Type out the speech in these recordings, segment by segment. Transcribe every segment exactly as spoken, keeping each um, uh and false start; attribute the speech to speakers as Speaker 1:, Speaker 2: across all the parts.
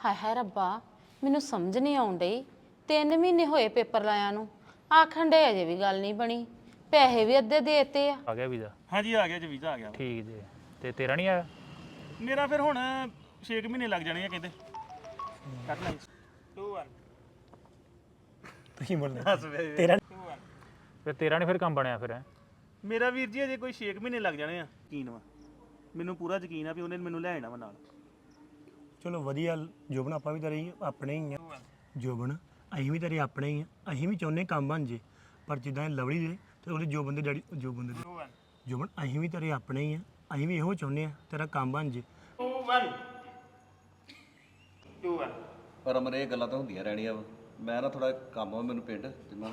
Speaker 1: ਹਾਏ ਹਾਏ ਰੱਬਾ ਮੈਨੂੰ ਸਮਝ ਨਹੀਂ ਆਉਣ ਡਈ। ਤਿੰਨ ਮਹੀਨੇ ਹੋਏ ਪੇਪਰ ਲਾਇਆ ਨੂੰ, ਆਖਣ ਡੇ ਅਜੇ ਵੀ ਗੱਲ ਨਹੀਂ ਬਣੀ। ਪੈਸੇ ਵੀ ਅੱਧੇ ਦੇਤੇ ਆ।
Speaker 2: ਆ ਗਿਆ ਵੀਜ਼ਾ?
Speaker 3: ਹਾਂਜੀ ਆ ਗਿਆ ਜੀ, ਵੀਜ਼ਾ ਆ ਗਿਆ।
Speaker 2: ਠੀਕ ਜੀ। ਤੇ ਤੇਰਾ ਨਹੀਂ ਆਇਆ?
Speaker 3: ਮੇਰਾ ਫਿਰ ਹੁਣ ਛੇ ਕੁ ਮਹੀਨੇ ਲੱਗ ਜਾਣੇ ਆ ਕਹਿੰਦੇ। ਕੱਟ ਲੈ ਦੋ ਇੱਕ
Speaker 4: ਤੁਸੀਂ ਬੋਲਣਾ ਤੇਰਾ
Speaker 2: ਫਿਰ ਤੇਰਾ ਨਹੀਂ ਫਿਰ ਕੰਮ ਬਣਿਆ ਫਿਰ ਹੈਂ?
Speaker 3: ਮੇਰਾ ਵੀਰ ਜੀ ਅਜੇ ਕੋਈ ਛੇ ਕੁ ਮਹੀਨੇ ਲੱਗ ਜਾਣੇ ਆ। ਯਕੀਨ ਵਾ ਮੈਨੂੰ, ਪੂਰਾ ਯਕੀਨ ਆ ਵੀ ਉਹਨੇ ਮੈਨੂੰ ਲੈ ਜਾਣਾ ਵਾ ਨਾਲ।
Speaker 4: ਚਲੋ ਵਧੀਆ। ਜੋਬਨ ਆਪਾਂ ਵੀ ਤੇਰੇ ਆਪਣੇ ਹੀ ਆ। ਜੋਬਨ ਅਸੀਂ ਵੀ ਤੇਰੇ ਆਪਣੇ ਹੀ ਆ। ਅਸੀਂ ਵੀ ਚਾਹੁੰਦੇ ਕੰਮ ਬਣ ਜੇ, ਪਰ ਜਿੱਦਾਂ ਇਹ ਲਵਲੀ ਦੇ ਤੇ ਉਹਦੇ ਜੋਬਨ ਦੇ ਡੈਡੀ ਜੋਬਨ ਦੇ ਜੋਬਨ ਅਸੀਂ ਵੀ ਤੇਰੇ ਆਪਣੇ ਹੀ ਆ। ਅਸੀਂ ਵੀ ਇਹੋ ਚਾਹੁੰਦੇ ਆ ਤੇਰਾ ਕੰਮ ਬਣ ਜੇ।
Speaker 5: ਪਰ ਅਮਰ ਇਹ ਗੱਲਾਂ ਤਾਂ ਹੁੰਦੀਆਂ ਰਹਿਣੀਆਂ ਵਾ। ਮੈਂ ਨਾ ਥੋੜਾ ਕੰਮ ਆ ਮੈਨੂੰ ਪਿੰਡ ਤੇ ਮੈਂ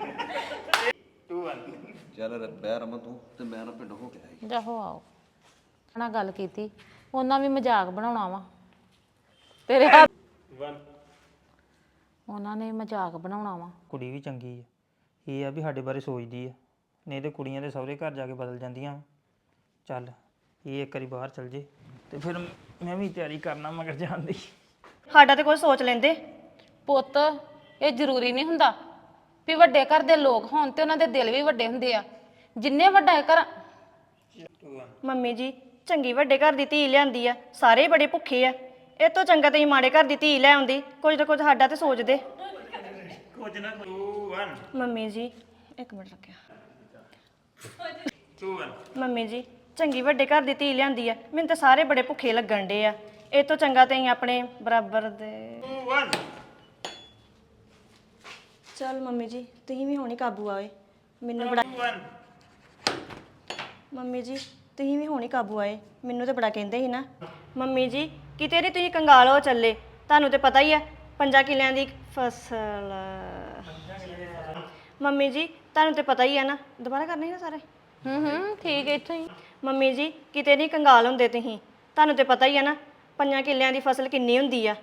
Speaker 5: ਚੱਲ ਬਹਿ ਰਮਨ ਤੂੰ ਤੇ ਮੈਂ ਨਾ ਪਿੰਡ ਹੋ ਕੇ ਆਈ।
Speaker 1: ਜਾਹੋ ਆਓ ਨਾਲ ਗੱਲ ਕੀਤੀ, ਉਹਨਾਂ ਵੀ ਮਜ਼ਾਕ ਬਣਾਉਣਾ ਵਾ ਤੇਰੇ ਹੱਥ। ਉਹਨਾਂ ਨੇ ਮਜ਼ਾਕ ਬਣਾਉਣਾ ਵਾ।
Speaker 6: ਕੁੜੀ ਵੀ ਚੰਗੀ ਆ, ਇਹ ਆ ਵੀ ਸਾਡੇ ਬਾਰੇ ਸੋਚਦੀ ਆ, ਨਹੀਂ ਤੇ ਕੁੜੀਆਂ ਦੇ ਸਹੁਰੇ ਘਰ ਜਾ ਕੇ ਬਦਲ ਜਾਂਦੀਆਂ ਵਾਂ। ਚੱਲ ਇਹ ਇੱਕ ਵਾਰੀ ਬਾਹਰ ਚਲ ਜੇ ਤੇ ਫਿਰ ਮੈਂ ਵੀ ਤਿਆਰੀ ਕਰਨਾ ਮਗਰ ਜਾਣ ਦੀ।
Speaker 7: ਸਾਡਾ ਤੇ ਕੁਝ ਸੋਚ ਲੈਂਦੇ।
Speaker 1: ਪੁੱਤ ਇਹ ਜ਼ਰੂਰੀ ਨਹੀਂ ਹੁੰਦਾ ਵੀ ਵੱਡੇ ਘਰ ਦੇ ਲੋਕ ਹੋਣ ਤੇ ਉਹਨਾਂ ਦੇ ਦਿਲ ਵੀ ਵੱਡੇ ਹੁੰਦੇ ਆ। ਜਿੰਨੇ ਵੱਡਾ ਘਰ।
Speaker 7: ਮੰਮੀ ਜੀ ਚੰਗੀ ਵੱਡੇ ਘਰ ਦੀ ਧੀ ਲਿਆਂਦੀ ਆ, ਸਾਰੇ ਬੜੇ ਭੁੱਖੇ ਆ। ਇਹ ਤੋਂ ਚੰਗਾ ਤੇ ਮਾੜੇ ਘਰ ਦੀ ਧੀ ਲੈ ਆਉਂਦੀ। ਕੁਝ ਨਾ ਕੁਝ ਸਾਡਾ ਤੇ ਸੋਚਦੇ।
Speaker 3: ਕੁਝ ਨਾ ਦੋ ਇੱਕ
Speaker 7: ਮੰਮੀ ਜੀ ਇੱਕ ਮਿੰਟ ਰੱਖਿਆ। ਮੰਮੀ ਜੀ ਚੰਗੀ ਵੱਡੇ ਘਰ ਦੀ ਧੀ ਲਿਆਂਦੀ ਆ, ਮੈਨੂੰ ਤਾਂ ਸਾਰੇ ਬੜੇ ਭੁੱਖੇ ਲੱਗਣ ਡੇ ਆ। ਇਹ ਤੋਂ ਚੰਗਾ ਤੇ ਆਪਣੇ ਬਰਾਬਰ ਦੇ। ਚਲ ਮੰਮੀ ਜੀ ਤੁਸੀਂ ਵੀ ਹੁਣੀ ਕਾਬੂ ਆਏ। ਮੈਨੂੰ ਬੜਾ ਮੰਮੀ ਜੀ ਤੁਸੀਂ ਵੀ ਹੁਣੀ ਕਾਬੂ ਆਏ। ਮੈਨੂੰ ਤੇ ਬੜਾ ਕਹਿੰਦੇ ਸੀ ਨਾ। ਮੰਮੀ ਜੀ ਕਿਤੇ ਨਹੀਂ ਤੁਸੀਂ ਕੰਗਾਲ ਹੋ ਚੱਲੇ। ਤੁਹਾਨੂੰ ਤੇ ਪਤਾ ਹੀ ਆ ਪੰਜਾਂ ਕਿੱਲਿਆਂ ਦੀ ਫਸਲ। ਮੰਮੀ ਜੀ ਤੁਹਾਨੂੰ ਤੇ ਪਤਾ ਹੀ ਆ ਨਾ। ਦੁਬਾਰਾ ਕਰਨੇ ਨਾ ਸਾਰੇ।
Speaker 1: ਹੂੰ ਹੂੰ ਠੀਕ ਹੈ ਇੱਥੋਂ ਹੀ।
Speaker 7: ਮੰਮੀ ਜੀ ਕਿਤੇ ਨਹੀਂ ਕੰਗਾਲ ਹੁੰਦੇ ਤੁਸੀਂ। ਤੁਹਾਨੂੰ ਤੇ ਪਤਾ ਹੀ ਆ ਨਾ ਪੰਜਾਂ ਕਿੱਲਿਆਂ ਦੀ ਫਸਲ ਕਿੰਨੀ ਹੁੰਦੀ ਆ।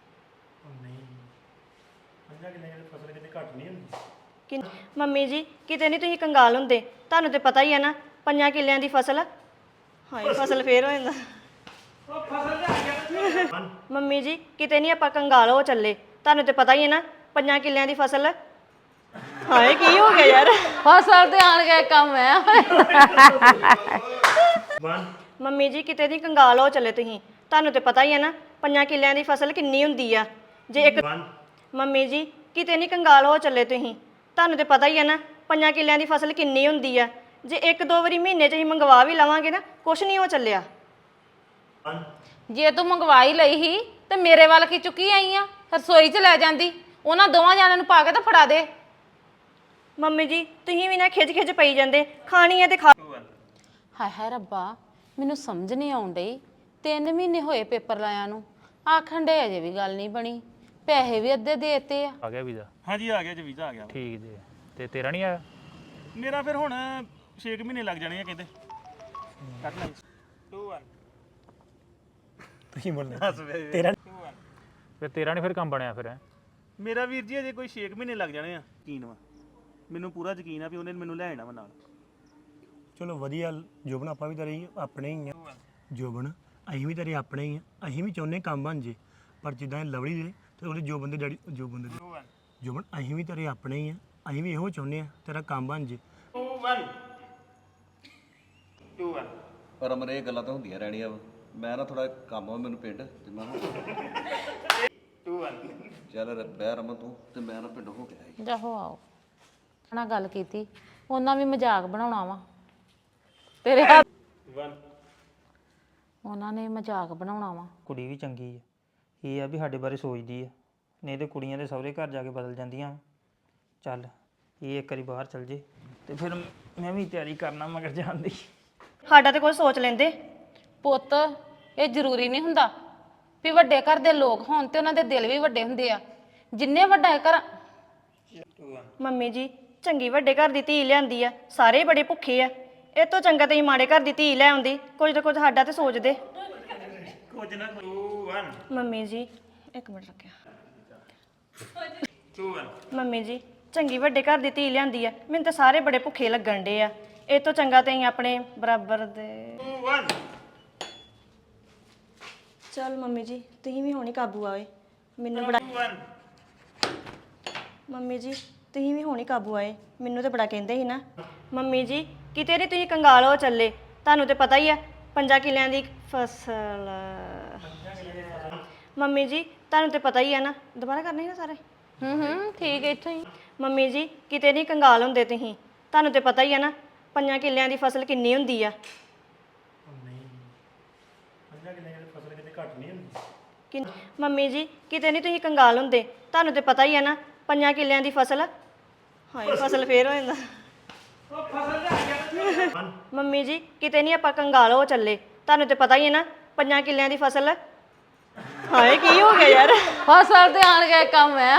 Speaker 7: ਕਿ ਮੰਮੀ ਜੀ ਕਿਤੇ ਨਹੀਂ ਤੁਸੀਂ ਕੰਗਾਲ ਹੁੰਦੇ। ਤੁਹਾਨੂੰ ਤੇ ਪਤਾ ਹੀ ਆ ਨਾ ਪੰਜਾਂ ਕਿੱਲਿਆਂ ਦੀ ਫਸਲ। ਹਾਏ ਫਸਲ ਫੇਰ ਹੋ ਜਾਂਦਾ। ਮੰਮੀ ਜੀ ਕਿਤੇ ਨਹੀਂ ਆਪਾਂ ਕੰਗਾਲ ਹੋ ਚੱਲੇ। ਤੁਹਾਨੂੰ ਤੇ ਪਤਾ ਹੀ ਹੈ ਨਾ ਪੰਜਾਂ ਕਿੱਲਿਆਂ ਦੀ ਫਸਲ। ਹਾਏ ਕੀ ਹੋ ਗਿਆ ਯਾਰ।
Speaker 1: ਫਸਲ ਤੇ ਆਣ ਕੇ ਕੰਮ ਹੈ।
Speaker 7: ਮੰਮੀ ਜੀ ਕਿਤੇ ਨਹੀਂ ਕੰਗਾਲ ਹੋ ਚੱਲੇ ਤੁਸੀਂ। ਤੁਹਾਨੂੰ ਤੇ ਪਤਾ ਹੀ ਹੈ ਨਾ ਪੰਜਾਂ ਕਿੱਲਿਆਂ ਦੀ ਫਸਲ ਕਿੰਨੀ ਹੁੰਦੀ ਆ। ਜੇ ਇੱਕ ਮੰਮੀ ਜੀ ਕਿਤੇ ਨਹੀਂ ਕੰਗਾਲ ਹੋ ਚੱਲੇ ਤੁਸੀਂ। ਤੁਹਾਨੂੰ ਤੇ ਪਤਾ ਹੀ ਹੈ ਨਾ ਪੰਜਾਂ ਕਿੱਲਿਆਂ ਦੀ ਫਸਲ ਕਿੰਨੀ ਹੁੰਦੀ ਆ। ਜੇ ਇੱਕ ਦੋ ਵਾਰੀ ਮਹੀਨੇ 'ਚ ਅਸੀਂ ਮੰਗਵਾ ਵੀ ਲਵਾਂਗੇ ਨਾ ਕੁਛ ਨਹੀਂ ਹੋ ਚੱਲਿਆ।
Speaker 1: ਜੇ ਤੂੰ ਮੰਗਵਾਈ ਲਈ ਹੀ ਤੇ ਮੇਰੇ ਵੱਲ ਕੀ ਚੁੱਕੀ ਆਈ ਆ? ਰਸੋਈ 'ਚ ਲੈ ਜਾਂਦੀ, ਉਹਨਾਂ ਦੋਵਾਂ ਜਾਣਿਆਂ ਨੂੰ ਪਾ ਕੇ ਤਾਂ ਫੜਾ ਦੇ।
Speaker 7: ਮੰਮੀ ਜੀ ਤੁਸੀਂ ਵੀ ਨਾ ਖਿੱਚ ਖਿੱਚ ਪਈ ਜਾਂਦੇ। ਖਾਣੀ ਹੈ ਤੇ ਖਾ।
Speaker 1: ਹਾਏ ਹਾਏ ਰੱਬਾ ਮੈਨੂੰ ਸਮਝ ਨਹੀਂ ਆਉਣ ਡਈ। ਤਿੰਨ ਮਹੀਨੇ ਹੋਏ ਪੇਪਰ ਲਾਇਆ ਨੂੰ, ਆਖਣ ਡੇ ਅਜੇ ਵੀ ਗੱਲ ਨਹੀਂ ਬਣੀ। ਪੈਸੇ ਵੀ ਅੱਧੇ ਦੇਤੇ ਆ।
Speaker 2: ਆ ਗਿਆ ਵੀਜ਼ਾ?
Speaker 3: ਹਾਂਜੀ ਆ ਗਿਆ ਜੀ, ਵੀਜ਼ਾ ਆ ਗਿਆ।
Speaker 2: ਠੀਕ ਜੀ। ਤੇ ਤੇਰਾ ਨਹੀਂ ਆਇਆ?
Speaker 3: ਮੇਰਾ ਫਿਰ ਹੁਣ ਛੇ ਕੁ ਮਹੀਨੇ ਲੱਗ ਜਾਣੇ ਆ ਕਹਿੰਦੇ। ਕੱਟ ਲੈ ਦੋ ਇੱਕ
Speaker 4: ਤੁਸੀਂ ਬੋਲਣਾ ਤੇਰਾ
Speaker 2: ਫਿਰ ਤੇਰਾ ਨਹੀਂ ਫਿਰ ਕੰਮ ਬਣਿਆ ਫਿਰ ਹੈਂ?
Speaker 3: ਮੇਰਾ ਵੀਰ ਜੀ ਅਜੇ ਕੋਈ ਛੇ ਕੁ ਮਹੀਨੇ ਲੱਗ ਜਾਣੇ ਆ। ਯਕੀਨ ਵਾ ਮੈਨੂੰ, ਪੂਰਾ ਯਕੀਨ ਆ ਵੀ ਉਹਨੇ ਮੈਨੂੰ ਲੈ ਜਾਣਾ ਵਾ ਨਾਲ।
Speaker 4: ਚਲੋ ਵਧੀਆ। ਜੋਬਨ ਆਪਾਂ ਵੀ ਤੇਰੇ ਆਪਣੇ ਹੀ ਆ। ਜੋਬਨ ਅਸੀਂ ਵੀ ਤੇਰੇ ਆਪਣੇ ਹੀ ਆ। ਅਸੀਂ ਵੀ ਚਾਹੁੰਦੇ ਕੰਮ ਬਣ ਜੇ, ਪਰ ਜਿੱਦਾਂ ਇਹ ਲਵਲੀ ਦੇ ਤੇ ਉਹਦੇ ਜੋਬਨ ਦੇ ਡੈਡੀ ਜੋਬਨ ਦੇ ਜੋਬਨ ਅਸੀਂ ਵੀ ਤੇਰੇ ਆਪਣੇ ਹੀ ਆ। ਅਸੀਂ ਵੀ ਇਹੋ ਚਾਹੁੰਦੇ ਆ ਤੇਰਾ ਕੰਮ ਬਣ ਜੇ।
Speaker 5: ਪਰ ਅਮਰ ਇਹ ਗੱਲਾਂ ਤਾਂ ਹੁੰਦੀਆਂ ਰਹਿਣੀਆਂ ਵਾ। ਮੈਂ ਨਾ ਥੋੜਾ ਕੰਮ ਆ ਮੈਨੂੰ ਪਿੰਡ ਤੇ ਮੈਂ ਚੱਲ ਬਹਿ ਰਮਨ ਤੂੰ ਤੇ ਮੈਂ ਨਾ ਪਿੰਡ ਹੋ ਕੇ ਆਈ।
Speaker 1: ਜਾਹੋ ਆਓ ਨਾਲ ਗੱਲ ਕੀਤੀ, ਉਹਨਾਂ ਵੀ ਮਜ਼ਾਕ ਬਣਾਉਣਾ ਵਾ ਤੇਰੇ ਹੱਥ। ਉਹਨਾਂ ਨੇ ਮਜ਼ਾਕ ਬਣਾਉਣਾ ਵਾ।
Speaker 6: ਕੁੜੀ ਵੀ ਚੰਗੀ ਆ, ਇਹ ਆ ਵੀ ਸਾਡੇ ਬਾਰੇ ਸੋਚਦੀ ਆ, ਨਹੀਂ ਤੇ ਕੁੜੀਆਂ ਦੇ ਸਹੁਰੇ ਘਰ ਜਾ ਕੇ ਬਦਲ ਜਾਂਦੀਆਂ ਵਾਂ। ਚੱਲ ਇਹ ਇੱਕ ਵਾਰੀ ਬਾਹਰ ਚਲ ਜੇ ਤੇ ਫਿਰ ਮੈਂ ਵੀ ਤਿਆਰੀ ਕਰਨਾ ਮਗਰ ਜਾਣ ਦੀ।
Speaker 7: ਸਾਡਾ ਤੇ ਕੁਝ ਸੋਚ ਲੈਂਦੇ।
Speaker 1: ਪੁੱਤ ਇਹ ਜ਼ਰੂਰੀ ਨਹੀਂ ਹੁੰਦਾ ਵੀ ਵੱਡੇ ਘਰ ਦੇ ਲੋਕ ਹੋਣ ਤੇ ਉਹਨਾਂ ਦੇ ਦਿਲ ਵੀ ਵੱਡੇ ਹੁੰਦੇ ਆ। ਜਿੰਨੇ ਵੱਡਾ ਘਰ।
Speaker 7: ਮੰਮੀ ਜੀ ਚੰਗੀ ਵੱਡੇ ਘਰ ਦੀ ਧੀ ਲਿਆਂਦੀ ਆ, ਸਾਰੇ ਬੜੇ ਭੁੱਖੇ ਆ। ਇਹ ਤੋਂ ਚੰਗਾ ਤੇ ਮਾੜੇ ਘਰ ਦੀ ਧੀ ਲੈ ਆਉਂਦੀ। ਕੁਝ ਨਾ ਕੁਝ ਸਾਡਾ ਤੇ ਸੋਚਦੇ।
Speaker 3: ਕੁਝ ਨਾ ਦੋ ਇੱਕ
Speaker 7: ਮੰਮੀ ਜੀ ਇੱਕ ਮਿੰਟ ਰੱਖਿਆ। ਮੰਮੀ ਜੀ ਚੰਗੀ ਵੱਡੇ ਘਰ ਦੀ ਧੀ ਲਿਆਂਦੀ ਆ, ਮੈਨੂੰ ਤਾਂ ਸਾਰੇ ਬੜੇ ਭੁੱਖੇ ਲੱਗਣ ਡੇ ਆ। ਇਹ ਤੋਂ ਚੰਗਾ ਤੇ ਆਪਣੇ ਬਰਾਬਰ ਦੇ। ਚਲ ਮੰਮੀ ਜੀ ਤੁਸੀਂ ਵੀ ਹੁਣੀ ਕਾਬੂ ਆਏ ਮੈਨੂੰ ਬੜਾ ਮੰਮੀ ਜੀ ਤੁਸੀਂ ਵੀ ਹੁਣੀ ਕਾਬੂ ਆਏ ਮੈਨੂੰ ਤਾਂ ਬੜਾ ਕਹਿੰਦੇ ਸੀ ਨਾ ਮੰਮੀ ਜੀ ਕਿਤੇ ਨਹੀਂ ਤੁਸੀਂ ਕੰਗਾਲ ਹੋ ਚੱਲੇ ਤੁਹਾਨੂੰ ਤੇ ਪਤਾ ਹੀ ਆ ਪੰਜਾਂ ਕਿੱਲਿਆਂ ਦੀ ਫਸਲ ਮੰਮੀ ਜੀ ਤੁਹਾਨੂੰ ਤੇ ਪਤਾ ਹੀ ਆ ਨਾ ਦੁਬਾਰਾ ਕਰਨੇ ਸੀ ਨਾ ਸਾਰੇ
Speaker 1: ਹੂੰ ਹੂੰ ਠੀਕ ਹੈ ਇੱਥੋਂ ਹੀ
Speaker 7: ਮੰਮੀ ਜੀ ਕਿਤੇ ਨਹੀਂ ਕੰਗਾਲ ਹੁੰਦੇ ਤੁਸੀਂ ਤੁਹਾਨੂੰ ਤੇ ਪਤਾ ਹੀ ਆ ਨਾ ਪੰਜਾਂ ਕਿੱਲਿਆਂ ਦੀ ਫਸਲ ਕਿੰਨੀ ਹੁੰਦੀ ਆ ਕਿ ਮੰਮੀ ਜੀ ਕਿਤੇ ਨਹੀਂ ਤੁਸੀਂ ਕੰਗਾਲ ਹੁੰਦੇ ਤੁਹਾਨੂੰ ਤੇ ਪਤਾ ਹੀ ਆ ਨਾ ਪੰਜਾਂ ਕਿੱਲਿਆਂ ਦੀ ਫਸਲ ਹਾਏ ਫਸਲ ਫੇਰ ਹੋ ਜਾਂਦਾ ਮੰਮੀ ਜੀ ਕਿਤੇ ਨਹੀਂ ਆਪਾਂ ਕੰਗਾਲ ਹੋ ਚੱਲੇ ਤੁਹਾਨੂੰ ਤੇ ਪਤਾ ਹੀ ਹੈ ਨਾ ਪੰਜਾਂ ਕਿੱਲਿਆਂ ਦੀ ਫਸਲ ਹਾਏ ਕੀ ਹੋ ਗਿਆ ਯਾਰ
Speaker 1: ਫਸਲ ਤੇ ਆਣ ਕੇ ਕੰਮ ਹੈ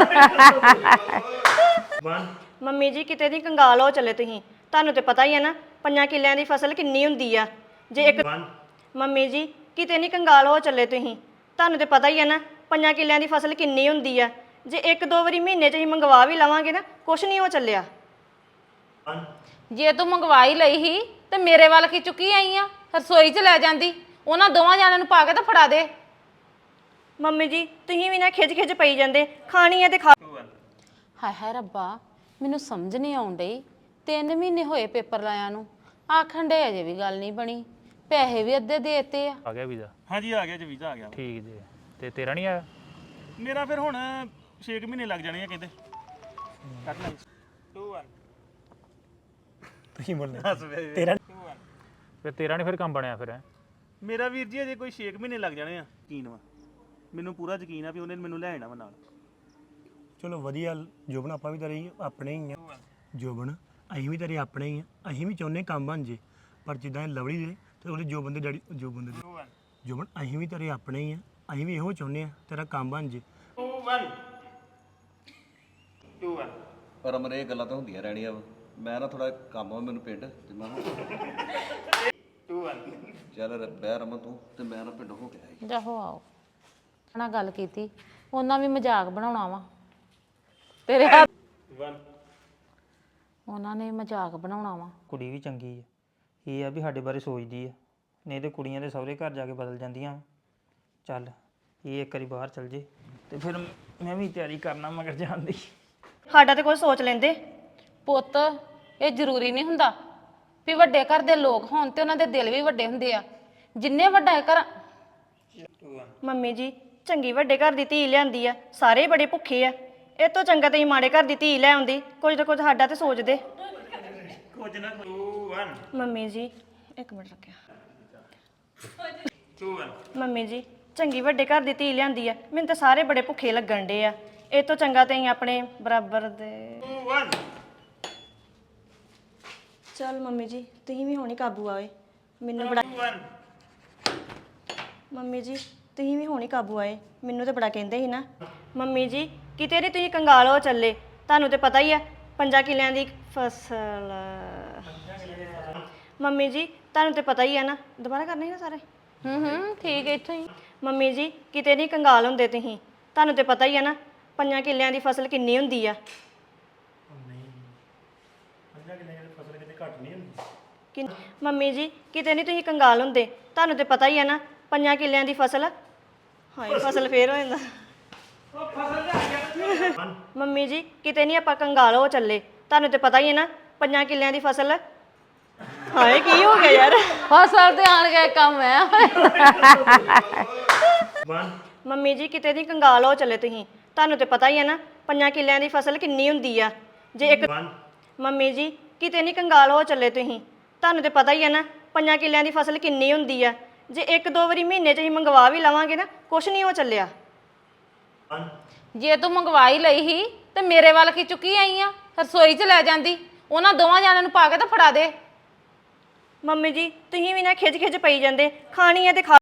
Speaker 7: ਮੰਮੀ ਜੀ ਕਿਤੇ ਨਹੀਂ ਕੰਗਾਲ ਹੋ ਚੱਲੇ ਤੁਸੀਂ ਤੁਹਾਨੂੰ ਤੇ ਪਤਾ ਹੀ ਹੈ ਨਾ ਪੰਜਾਂ ਕਿੱਲਿਆਂ ਦੀ ਫਸਲ ਕਿੰਨੀ ਹੁੰਦੀ ਆ ਜੇ ਇੱਕ ਮੰਮੀ ਜੀ ਕਿਤੇ ਨਹੀਂ ਕੰਗਾਲ ਹੋ ਚੱਲੇ ਤੁਸੀਂ ਤੁਹਾਨੂੰ ਤੇ ਪਤਾ ਹੀ ਹੈ ਨਾ ਪੰਜਾਂ ਕਿੱਲਿਆਂ ਦੀ ਫਸਲ ਕਿੰਨੀ ਹੁੰਦੀ ਆ ਜੇ ਇੱਕ ਦੋ ਵਾਰੀ ਮਹੀਨੇ 'ਚ ਅਸੀਂ ਮੰਗਵਾ ਵੀ ਲਵਾਂਗੇ ਨਾ ਕੁਛ ਨਹੀਂ ਹੋ ਚੱਲਿਆ
Speaker 1: ਜੇ ਤੂੰ ਮੰਗਵਾਈ ਲਈ ਸੀ ਤੇ ਮੇਰੇ ਵੱਲ ਕੀ ਚੁੱਕੀ ਆਈ ਆ ਰਸੋਈ 'ਚ ਲੈ ਜਾਂਦੀ ਉਹਨਾਂ ਦੋਵਾਂ ਜਾਣਿਆਂ ਨੂੰ ਪਾ ਕੇ ਤਾਂ ਫੜਾ ਦੇ
Speaker 7: ਮੰਮੀ ਜੀ ਤੁਸੀਂ ਵੀ ਨਾ ਖਿੱਚ ਖਿੱਚ ਪਈ ਜਾਂਦੇ ਖਾਣੀ ਹੈ ਤੇ ਖਾ
Speaker 1: ਹਾਏ ਹਾਏ ਰੱਬਾ ਮੈਨੂੰ ਸਮਝ ਨਹੀਂ ਆਉਣ ਡਈ ਤਿੰਨ ਮਹੀਨੇ ਹੋਏ ਪੇਪਰ ਲਾਇਆ ਨੂੰ ਆਖਣ ਡੇ ਅਜੇ ਵੀ ਗੱਲ ਨਹੀਂ ਬਣੀ ਪੈਸੇ ਵੀ ਅੱਧੇ ਦੇਤੇ ਆ
Speaker 2: ਆ ਗਿਆ ਵੀਜ਼ਾ
Speaker 3: ਹਾਂਜੀ ਆ ਗਿਆ ਜੀ ਵੀਜ਼ਾ ਆ ਗਿਆ
Speaker 2: ਠੀਕ ਜੀ ਤੇ ਤੇਰਾ ਨਹੀਂ ਆਇਆ
Speaker 3: ਮੇਰਾ ਫਿਰ ਹੁਣ ਛੇ ਮਹੀਨੇ ਲੱਗ ਜਾਣੇ ਆ ਕਹਿੰਦੇ ਕੱਟ ਲੈ ਦੋ ਇੱਕ
Speaker 4: ਤੁਸੀਂ ਬੋਲਣਾ ਤੇਰਾ
Speaker 2: ਫਿਰ ਤੇਰਾ ਨਹੀਂ ਫਿਰ ਕੰਮ ਬਣਿਆ ਫਿਰ ਹੈਂ?
Speaker 3: ਮੇਰਾ ਵੀਰ ਜੀ ਅਜੇ ਕੋਈ ਛੇ ਮਹੀਨੇ ਲੱਗ ਜਾਣੇ ਆ ਯਕੀਨ ਵਾ ਮੈਨੂੰ ਪੂਰਾ ਯਕੀਨ ਆ ਵੀ ਉਹਨੇ ਮੈਨੂੰ ਲੈ ਆਣਾ ਵਾ ਨਾਲ
Speaker 4: ਚਲੋ ਵਧੀਆ ਜੋਬਨ ਆਪਾਂ ਵੀ ਤਾਂ ਰਹੀ ਆਪਣੇ ਹੀ ਆ ਜੋਬਨ ਅਸੀਂ ਵੀ ਤੇਰੇ ਆਪਣੇ ਹੀ ਆ ਅਸੀਂ ਵੀ ਚਾਹੁੰਦੇ ਕੰਮ ਬਣ ਜੇ ਪਰ ਜਿੱਦਾਂ ਇਹ ਲਵਲੀ ਦੇ ਤੇ ਉਹਦੇ ਜੋਬਨ ਦੇ ਡੈਡੀ ਜੋਬਨ ਦੇ ਜੋਬਨ ਅਸੀਂ ਵੀ ਤੇਰੇ ਆਪਣੇ ਹੀ ਆ ਅਸੀਂ ਵੀ ਇਹੋ ਚਾਹੁੰਦੇ ਆ ਤੇਰਾ ਕੰਮ ਬਣ ਜੇ
Speaker 5: ਪਰ ਅਮਰ ਇਹ ਗੱਲਾਂ ਤਾਂ ਹੁੰਦੀਆਂ ਰਹਿਣੀਆਂ ਵਾ ਮੈਂ ਨਾ ਥੋੜਾ ਕੰਮ ਆ ਮੈਨੂੰ ਪਿੰਡ ਤੇ ਮੈਂ ਚੱਲ ਰ- ਬਹਿ ਰਮਨ ਤੂੰ ਤੇ ਮੈਂ ਨਾ ਪਿੰਡ ਹੋ ਕੇ ਆਈ
Speaker 1: ਜਾਹੋ ਆਓ ਨਾਲ ਗੱਲ ਕੀਤੀ ਉਹਨਾਂ ਵੀ ਮਜ਼ਾਕ ਬਣਾਉਣਾ ਵਾ ਤੇਰੇ ਹੱਥ ਉਹਨਾਂ ਨੇ ਮਜ਼ਾਕ ਬਣਾਉਣਾ ਵਾ
Speaker 6: ਕੁੜੀ ਵੀ ਚੰਗੀ ਆ ਇਹ ਆ ਵੀ ਸਾਡੇ ਬਾਰੇ ਸੋਚਦੀ ਆ ਨਹੀਂ ਤੇ ਕੁੜੀਆਂ ਦੇ ਸਹੁਰੇ ਘਰ ਜਾ ਕੇ ਬਦਲ ਜਾਂਦੀਆਂ ਵਾਂ। ਚੱਲ ਇਹ ਇੱਕ ਵਾਰੀ ਬਾਹਰ ਚਲ ਜੇ ਤੇ ਫਿਰ ਮੈਂ ਵੀ ਤਿਆਰੀ ਕਰਨਾ ਮਗਰ ਜਾਣ ਦੀ
Speaker 7: ਸਾਡਾ ਤੇ ਕੁਝ ਸੋਚ ਲੈਂਦੇ
Speaker 1: ਪੁੱਤ ਇਹ ਜ਼ਰੂਰੀ ਨਹੀਂ ਹੁੰਦਾ ਵੀ ਵੱਡੇ ਘਰ ਦੇ ਲੋਕ ਹੋਣ ਤੇ ਉਹਨਾਂ ਦੇ ਦਿਲ ਵੀ ਵੱਡੇ ਹੁੰਦੇ ਆ ਜਿੰਨੇ ਵੱਡਾ ਘਰ
Speaker 7: ਮੰਮੀ ਜੀ ਚੰਗੀ ਵੱਡੇ ਘਰ ਦੀ ਧੀ ਲਿਆਂਦੀ ਆ ਸਾਰੇ ਬੜੇ ਭੁੱਖੇ ਆ ਇਹ ਤੋਂ ਚੰਗਾ ਤੇ ਮਾੜੇ ਘਰ ਦੀ ਧੀ ਲੈ ਆਉਂਦੀ ਕੁਝ ਨਾ ਕੁਝ ਸਾਡਾ ਤੇ ਸੋਚਦੇ
Speaker 3: ਕੁਝ ਨਾ ਕੋਈ
Speaker 7: ਮੰਮੀ ਜੀ ਇੱਕ ਮਿੰਟ ਰੱਖਿਆ ਮੰਮੀ ਜੀ ਚੰਗੀ ਵੱਡੇ ਘਰ ਦੀ ਧੀ ਲਿਆਂਦੀ ਆ ਮੈਨੂੰ ਤਾਂ ਸਾਰੇ ਬੜੇ ਭੁੱਖੇ ਲੱਗਣ ਡੇ ਆ ਇਹ ਤੋਂ ਚੰਗਾ ਤੇ ਅਸੀਂ ਆਪਣੇ ਬਰਾਬਰ ਦੇ ਚਲ ਮੰਮੀ ਜੀ ਤੁਸੀਂ ਵੀ ਹੁਣੀ ਕਾਬੂ ਆਏ ਮੈਨੂੰ ਬੜਾ ਮੰਮੀ ਜੀ ਤੁਸੀਂ ਵੀ ਹੁਣੀ ਕਾਬੂ ਆਏ ਮੈਨੂੰ ਤਾਂ ਬੜਾ ਕਹਿੰਦੇ ਸੀ ਨਾ ਮੰਮੀ ਜੀ ਕਿਤੇ ਨਹੀਂ ਤੁਸੀਂ ਕੰਗਾਲ ਹੋ ਚੱਲੇ ਤੁਹਾਨੂੰ ਤੇ ਪਤਾ ਹੀ ਆ ਪੰਜਾਂ ਕਿੱਲਿਆਂ ਦੀ ਫਸਲ ਮੰਮੀ ਜੀ ਤੁਹਾਨੂੰ ਤੇ ਪਤਾ ਹੀ ਆ ਨਾ ਦੁਬਾਰਾ ਕਰਨੇ ਸੀ ਨਾ ਸਾਰੇ
Speaker 1: ਹੂੰ ਹੂੰ ਠੀਕ ਹੈ ਇੱਥੋਂ ਹੀ
Speaker 7: ਮੰਮੀ ਜੀ ਕਿਤੇ ਨਹੀਂ ਕੰਗਾਲ ਹੁੰਦੇ ਤੁਸੀਂ ਤੁਹਾਨੂੰ ਤੇ ਪਤਾ ਹੀ ਆ ਨਾ ਪੰਜਾਂ ਕਿੱਲਿਆਂ ਦੀ ਫਸਲ ਕਿੰਨੀ ਹੁੰਦੀ ਆ ਕਿ ਮੰਮੀ ਜੀ ਕਿਤੇ ਨਹੀਂ ਤੁਸੀਂ ਕੰਗਾਲ ਹੁੰਦੇ ਤੁਹਾਨੂੰ ਤੇ ਪਤਾ ਹੀ ਆ ਨਾ ਪੰਜਾਂ ਕਿੱਲਿਆਂ ਦੀ ਫਸਲ ਹਾਏ ਫਸਲ ਫੇਰ ਹੋ ਜਾਂਦਾ ਮੰਮੀ ਜੀ ਕਿਤੇ ਨਹੀਂ ਆਪਾਂ ਕੰਗਾਲ ਹੋ ਚੱਲੇ ਤੁਹਾਨੂੰ ਤੇ ਪਤਾ ਹੀ ਹੈ ਨਾ ਪੰਜਾਂ ਕਿੱਲਿਆਂ ਦੀ ਫਸਲ ਹਾਏ ਕੀ ਹੋ ਗਿਆ ਯਾਰ
Speaker 1: ਫਸਲ ਤੇ ਆਣ ਕੇ ਕੰਮ ਹੈ
Speaker 7: ਮੰਮੀ ਜੀ ਕਿਤੇ ਨਹੀਂ ਕੰਗਾਲ ਹੋ ਚੱਲੇ ਤੁਸੀਂ ਤੁਹਾਨੂੰ ਤੇ ਪਤਾ ਹੀ ਹੈ ਨਾ ਪੰਜਾਂ ਕਿੱਲਿਆਂ ਦੀ ਫਸਲ ਕਿੰਨੀ ਹੁੰਦੀ ਆ ਜੇ ਇੱਕ ਮੰਮੀ ਜੀ ਕਿਤੇ ਨਹੀਂ ਕੰਗਾਲ ਹੋ ਚੱਲੇ ਤੁਸੀਂ ਤੁਹਾਨੂੰ ਤੇ ਪਤਾ ਹੀ ਹੈ ਨਾ ਪੰਜਾਂ ਕਿੱਲਿਆਂ ਦੀ ਫਸਲ ਕਿੰਨੀ ਹੁੰਦੀ ਆ ਜੇ ਇੱਕ ਦੋ ਵਾਰੀ ਮਹੀਨੇ 'ਚ ਅਸੀਂ ਮੰਗਵਾ ਵੀ ਲਵਾਂਗੇ ਨਾ ਕੁਛ ਨਹੀਂ ਹੋ ਚੱਲਿਆ
Speaker 1: ਜੇ ਤੂੰ ਮੰਗਵਾਈ ਲਈ ਸੀ ਤੇ ਮੇਰੇ ਵੱਲ ਕੀ ਚੁੱਕੀ ਆਈ ਆ ਰਸੋਈ 'ਚ ਲੈ ਜਾਂਦੀ ਉਹਨਾਂ ਦੋਵਾਂ ਜਾਣਿਆਂ ਨੂੰ ਪਾ ਕੇ ਤਾਂ ਫੜਾ ਦੇ
Speaker 7: ਮੰਮੀ ਜੀ ਤੁਸੀਂ ਵੀ ਨਾ ਖਿੱਚ ਖਿੱਚ ਪਈ ਜਾਂਦੇ ਖਾਣੀ ਹੈ ਤੇ ਖਾ